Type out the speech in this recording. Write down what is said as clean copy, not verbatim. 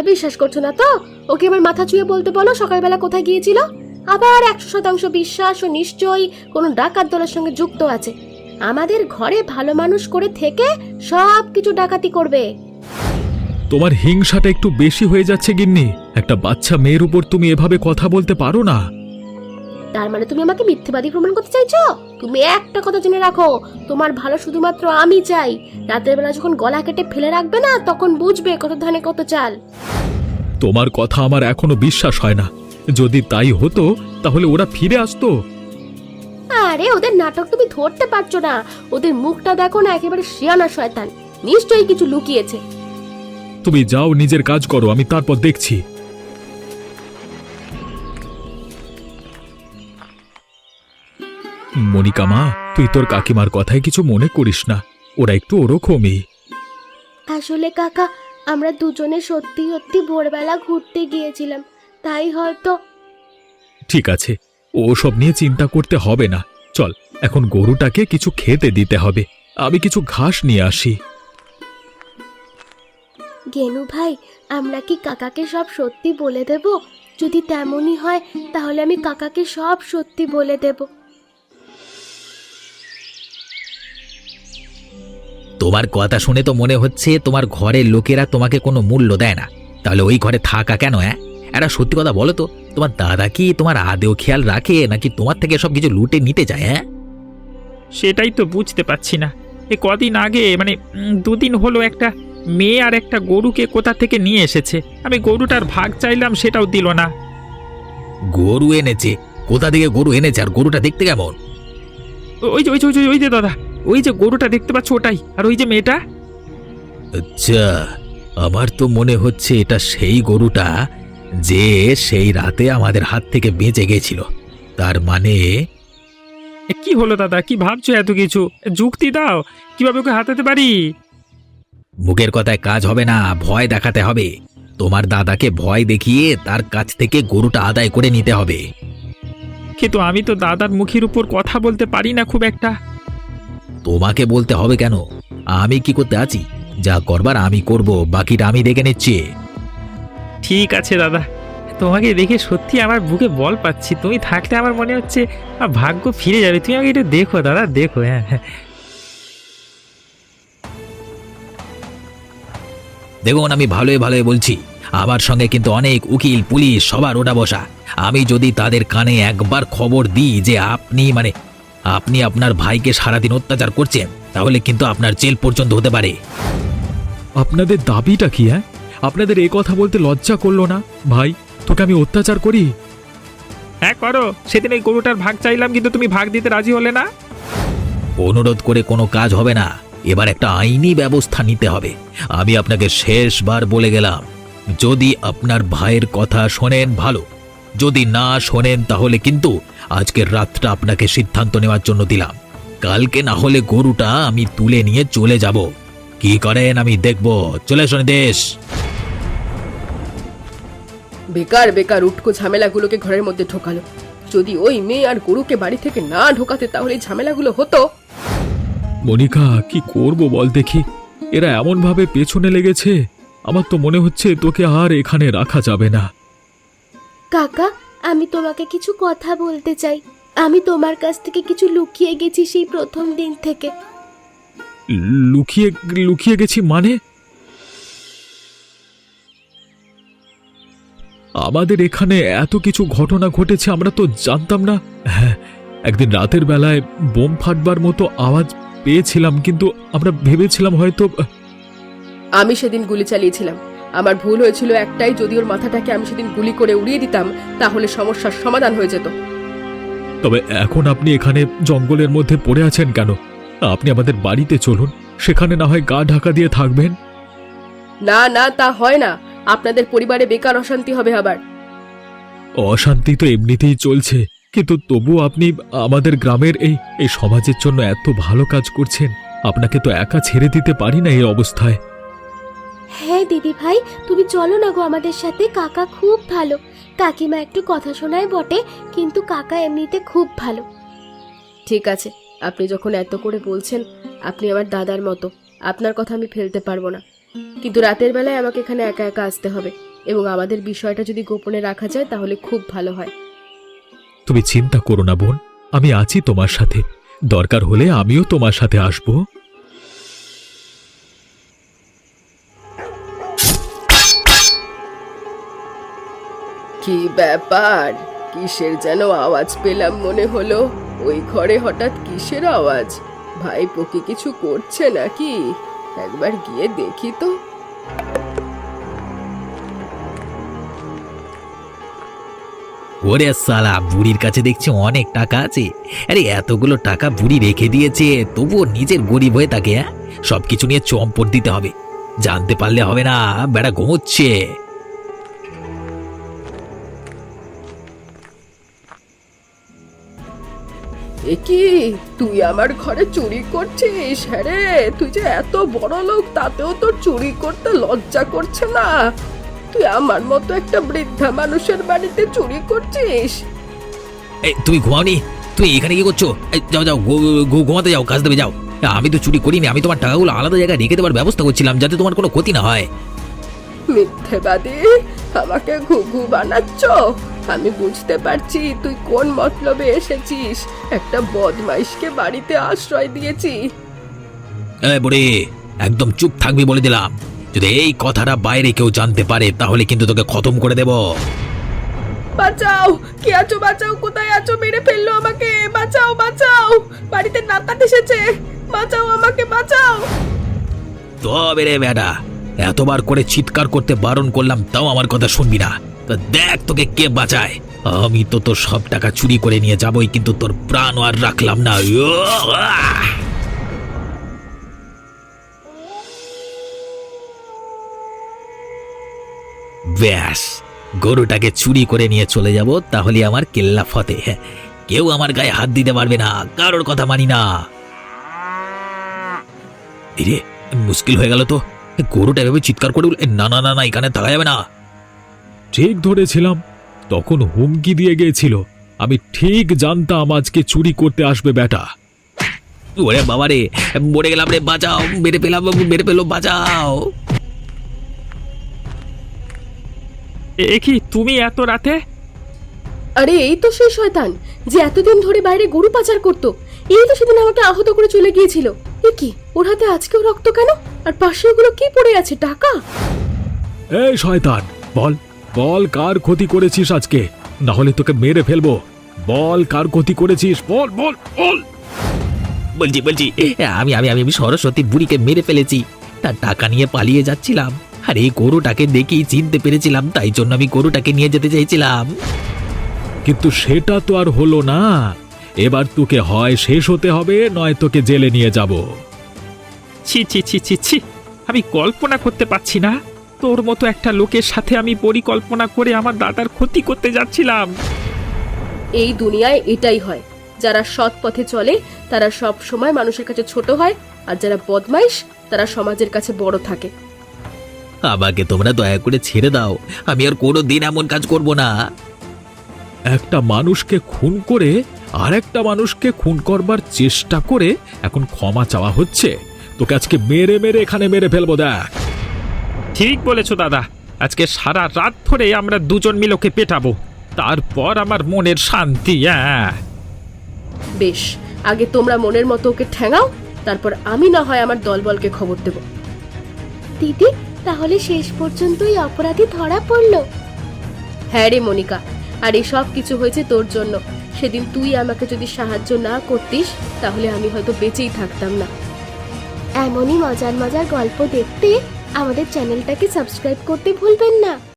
বিশ্বাস করছো না তো? ওকে এবার মাথা ছুঁয়ে বলতে বলো সকালবেলা কোথায় গিয়েছিল। আবার 100% বিশ্বাস ও নিশ্চয়ই কোনো ডাকাত দলের সঙ্গে যুক্ত আছে। আমাদের ঘরে ভালো মানুষ করে থেকে সব কিছু ডাকাতি করবে। তোমার হিংসাটা একটু বেশি হয়ে যাচ্ছে গিন্নি। একটা বাচ্চা মেয়ের উপর তুমি এভাবে কথা বলতে পারো না। তার মানে তুমি আমাকে মিথ্যেবাদী প্রমাণ করতে চাইছো? তুমি একটা কথা জেনে রাখো, তোমার ভালো শুধুমাত্র আমি চাই। রাতের বেলা যখন গলা কেটে ফেলে রাখবে না, তখন বুঝবে কত ধানে কত চাল। তোমার কথা আমার এখনো বিশ্বাস হয় না। যদি তাই হতো তাহলে ওরা ফিরে আসতো। আরে ওদের নাটক তুমি ধরতে পারছো না। ওদের মুখটা দেখো না, একেবারে শিয়ানা শয়তান। নিশ্চয়ই কিছু লুকিয়েছে। তুমি যাও, নিজের কাজ করো, আমি তারপর দেখছি। মনিকা মা, তুই তোর কাকিমার কথায় কিছু মনে করিস না। ওরা একটু ওরকমই। আসলে কাকা, আমরা দুজনে সত্যি সত্যি ভোরবেলা ঘুরতে গিয়েছিলাম, তাই হয়তো। ঠিক আছে, ওসব নিয়ে চিন্তা করতে হবে না। চল, এখন গরুটাকে কিছু খেতে দিতে হবে। আমি কিছু ঘাস নিয়ে আসি। গেনু ভাই, আমরা কি কাকাকে সব সত্যি বলে দেব? যদি তেমনই হয় তাহলে আমি কাকাকে সব সত্যি বলে দেব। তোমার কথা শুনে তো মনে হচ্ছে তোমার ঘরের লোকেরা তোমাকে কোনো মূল্য দেয় না। তাহলে ওই ঘরে থাকা কেন? একটা সত্যি কথা বলো তো, তোমার দাদা কি তোমার আদেও খেয়াল রাখে, নাকি তোমার থেকে সব কিছু লুটে নিতে যায়? সেটাই তো বুঝতে পারছি না। এ কদিন আগে মানে 2 দিন হলো একটা মেয়ে আর একটা গরুকে কোথা থেকে নিয়ে এসেছে। আমি গরুটার ভাগ চাইলাম, সেটাও দিল না। গরু এনেছে? কোথা থেকে গরু এনেছে? আর গরুটা দেখতে কেমন? ওই যে দাদা, ওই যে গরুটা দেখতে পাচ্ছ, ওটাই। আর ওই যে মেয়েটা। আচ্ছা, আমার তো মনে হচ্ছে এটা সেই গরুটা যে সেই রাতে আমাদের হাত থেকে বেঁচে গেছিল। তার মানে কি হলো দাদা, কি ভাবছো এত কিছু? যুক্তি দাও, কিভাবে ওকে হাতাতে পারি? মুখের কথায় কাজ হবে না, ভয় দেখাতে হবে। তোমার দাদাকে ভয় দেখিয়ে তার কাছ থেকে গরুটা আদায় করে নিতে হবে। কিন্তু আমি তো দাদার মুখের উপর কথা বলতে পারি না খুব একটা। তোমাকে বলতে হবে কেন? আমি কি করতে আছি? যা করবার আমি করব, বাকিটা আমি দেখে নিচ্ছি। ঠিক আছে দাদা, তোমাকে দেখে সত্যি আমার বুকে বল পাচ্ছি। তুমি থাকলে আমার মনে হচ্ছে ভাগ্য ফিরে যাবে। তুমি আমাকে একটু দেখো দাদা, দেখো। হ্যাঁ, দেখুন, আমি ভালোই ভালোই বলছি। আমার সঙ্গে কিন্তু অনেক উকিল পুলিশ সবার ওটা বসা। আমি যদি তাদের কানে একবার খবর দিই যে আপনি আপনার ভাইকে সারাদিন অত্যাচার করছেন, তাহলে কিন্তু আপনার জেল পর্যন্ত হতে পারে। আপনাদের দাবিটা কি? আপনাদের এই কথা বলতে লজ্জা করলো না? ভাই, তোকে আমি অত্যাচার করি? হ্যাঁ করো। সেদিন এই গরুটার ভাগ চাইলাম, কিন্তু তুমি ভাগ দিতে রাজি হলে না। অনুরোধ করে কোনো কাজ হবে না। এবার একটা আইনি ব্যবস্থা নিতে হবে। আমি আপনাকে শেষবার বলে গেলাম, যদি আপনার ভাইয়ের কথা শোনেন ভালো, যদি না শোনেন তাহলে কিন্তু আজকের রাতটা আপনাকে সিদ্ধান্ত নেওয়ার জন্য দিলাম। কালকে না হলে গরুটা আমি তুলে নিয়ে চলে যাব। কি করেন আমি দেখব। চলে আসুন দেশ। বেকার বেকার উটকো ঝামেলাগুলোকে ঘরের মধ্যে ঢোকালো। যদি ওই মেয়ে আর গরুকে বাড়ি থেকে না ঢোকাতে তাহলে এই ঝামেলাগুলো হতো। মনিকা, কি করব বল দেখি। এরা এমন ভাবে পেছনে লেগেছে, আমার তো মনে হচ্ছে তোকে আর এখানে রাখা যাবে না। কাকা, আমি তোমাকে কিছু কথা বলতে চাই। আমি তোমার কাছ থেকে কিছু লুকিয়ে গেছি সেই প্রথম দিন থেকে। লুকিয়ে লুকিয়ে গেছি মানে? আমাদের এখানে এত কিছু ঘটনা ঘটেছে, আমরা তো জানতাম না। হ্যাঁ, একদিন রাতের বেলায় বোম ফাটবার মতো আওয়াজ পেয়েছিলাম, কিন্তু আমরা ভেবেছিলাম হয়তো। আমি সেদিন গুলি চালিয়েছিলাম। আমার ভুল হয়েছিল একটাই, যদি ওর মাথাটাকে আমি সেদিন গুলি করে উড়িয়ে দিতাম তাহলে সমস্যার সমাধান হয়ে যেত। তবে এখন আপনি এখানে জঙ্গলের মধ্যে পড়ে আছেন কেন? আপনি আমাদের বাড়িতে চলুন, সেখানে না হয় গা ঢাকা দিয়ে থাকবেন। না না, তা হয় না। আপনাদের পরিবারে বেকার অশান্তি হবে আবার। অশান্তি তো এমনিতেই চলছে, কিন্তু তবু আপনি আমাদের গ্রামের এই সমাজের জন্য এত ভালো কাজ করছেন। আপনাকে তো একা ছেড়ে দিতে পারি না এই অবস্থায়। হ্যাঁ দিদি ভাই, তুমি চলো না গো আমাদের সাথে। কাকা খুব ভালো। কাকিমা একটু কথা শোনায় বটে, কিন্তু কাকা এমনিতে খুব ভালো। ঠিক আছে, আপনি যখন এত করে বলছেন, আপনি আমার দাদার মতো, আপনার কথা আমি ফেলতে পারবো না। কিন্তু রাতের বেলায় আমাকে এখানে একা একা আসতে হবে। এবং আমাদের বিষয়টা যদি গোপনে রাখা যায় তাহলে খুব ভালো হয়। তুমি চিন্তা করো না বোন, আমি আছি তোমার সাথে। দরকার হলে আমিও তোমার সাথে আসব। কি ব্যাপার? কিসের যেন আওয়াজ পেলাম মনে হলো। ওই ঘরে হঠাৎ কিসের আওয়াজ? ভাইপো কি কিছু করছে নাকি? একবার গিয়ে দেখি তো। ওরে সালা, বুড়ির কাছে দেখছি অনেক টাকা আছে। আরে এতগুলো টাকা বুড়ি রেখে দিয়েছে, তবুও নিজের গরিব হয়ে থাকে। হ্যাঁ, সবকিছু নিয়ে চম্পট দিতে হবে। জানতে পারলে হবে না, বেড়া ঘুমোচ্ছে। এ কি, তুই আমার ঘরে চুরি করছিস? হ্যাঁ রে, তুই যে এত বড় লোক, তাতেও তোর চুরি করতে লজ্জা করছে না? তুই আমার মতো একটা বৃদ্ধা মানুষের বাড়িতে চুরি করছিস? এই তুমি ঘুমাওনি? তুমি এখানে কি করছো? এই, যাও যাও, ঘুমাতে যাও, কাজ দেবে যাও। আমি তো চুরি করিনি, আমি তোমার টাকাগুলো আলাদা জায়গায় রেখে দেওয়ার ব্যবস্থা করছিলাম যাতে তোমার কোনো ক্ষতি না হয়। মিথ্যেবাদী, আমাকে ঘুঘু বানাচ্ছ। আমি বুঝতে পারছি তুই কোন মতলবে এসেছিস। একটা বদমাইশকে বাড়িতে আশ্রয় দিয়েছি। এই বুড়ি, একদম চুপ থাকবি বলে দিলাম। যদি এই কথাটা বাইরে কেউ জানতে পারে তাহলে কিন্তু তোকে খতম করে দেব। বাঁচাও, কে আছো? বাঁচাও, কোথায় আছো? মেরে ফেললো আমাকে। বাঁচাও, বাঁচাও, বাড়িতে নাকাত এসেছে। বাঁচাও আমাকে, বাঁচাও। তবে রে বেটা, এতবার করে চিৎকার করতে বারণ করলাম, তাও আমার কথা শুনবি না। তা দেখ তোকে কে বাঁচায়। আমি তো তোর সব টাকা চুরি করে নিয়ে যাবই, কিন্তু তোর প্রাণ আর রাখলাম না। ব্যাস, গরুটাকে চুরি করে নিয়ে চলে যাব, তাহলে আমার কেল্লা ফতে। কেউ আমার গায়ে হাত দিতে পারবে না, কারোর কথা মানি না। রে, মুশকিল হয়ে গেল তো। গরুটা এভাবে চিৎকার করে না না না না, এখানে থাকা যাবে না। ঠিক ধরেছিলাম, তখন হুমকি দিয়ে গিয়েছিল। আমি ঠিক জানতাম আজকে চুরি করতে আসবে বেটা। ওরে বাবা রে, মরে গেলাম রে, বাঁচাও, মেরে পেলাম, মেরে পেলো, বাঁচাও। এ কি, তুমি এত রাতে? আরে এই তো সেই শয়তান যে এতদিন ধরে বাইরে গরু পাচার করতো। এই তো সেদিন আমাকে আহত করে চলে গিয়েছিল। এ কি, ওর হাতে আজকেও রক্ত কেন? আর পাশে ওগুলো কি পড়ে আছে? টাকা? এই শয়তান, বল বল, কার ক্ষতি করেছিস আজকে? না হলে তোকে মেরে ফেলবো। বল, কার ক্ষতি করেছিস? বল বল বল। বলছি বলছি, আমি আমি আমি আমি সরস্বতী বুড়িকে মেরে ফেলেছি। তার টাকা নিয়ে পালিয়ে যাচ্ছিলাম, আর এই গরুটাকে দেখেই চিনতে পেরেছিলাম, তাই জন্য আমি গরুটাকে নিয়ে যেতে চাইছিলাম। কিন্তু সেটা তো আর হলো না। এবার তোকে হয় শেষ হতে হবে, নয় তোকে জেলে নিয়ে যাব। ছি ছি ছি ছি ছি, আমি কল্পনা করতে পারছি না তোর মতো একটা লোকের সাথে আমি পরিকল্পনা করে আমার দাদার ক্ষতি করতে যাচ্ছিলাম। এই দুনিয়ায় এটাই হয়। যারা সৎ পথে চলে তারা সব সময় মানুষের কাছে ছোট হয়, আর যারা বদমাইশ তারা সমাজের কাছে বড় থাকে। আমাকে তোমরা দয়া করে ছেড়ে দাও, আমি আর কোনো দিন এমন কাজ করব না। একটা মানুষকে খুন করে আর একটা মানুষকে খুন করবার চেষ্টা করে এখন ক্ষমা চাওয়া হচ্ছে? তোকে আজকে মেরে মেরে এখানে মেরে ফেলবো। দেখ, ঠিক বলেছো দাদা, আজকে সারা রাত ধরে আমরা দুজন মিলে ওকে পেটাবো, তারপর আমার মনের শান্তি। হ্যাঁ বেশ, আগে তোমরা মনের মতো ওকে ঠ্যাঙাও, তারপর আমি না হয় আমার দলবলকে খবর দেব। দিদি, তাহলে শেষ পর্যন্তই অপরাধী ধরা পড়লো? হ্যাঁ রে মনিকা, আর এই সব কিছু হয়েছে তোর জন্য। সেদিন তুই আমাকে যদি সাহায্য না করতিস তাহলে আমি হয়তো বেঁচেই থাকতাম না। এমনই মজার মজার গল্প দেখতে আমাদের চ্যানেলটাকে সাবস্ক্রাইব করতে ভুলবেন না।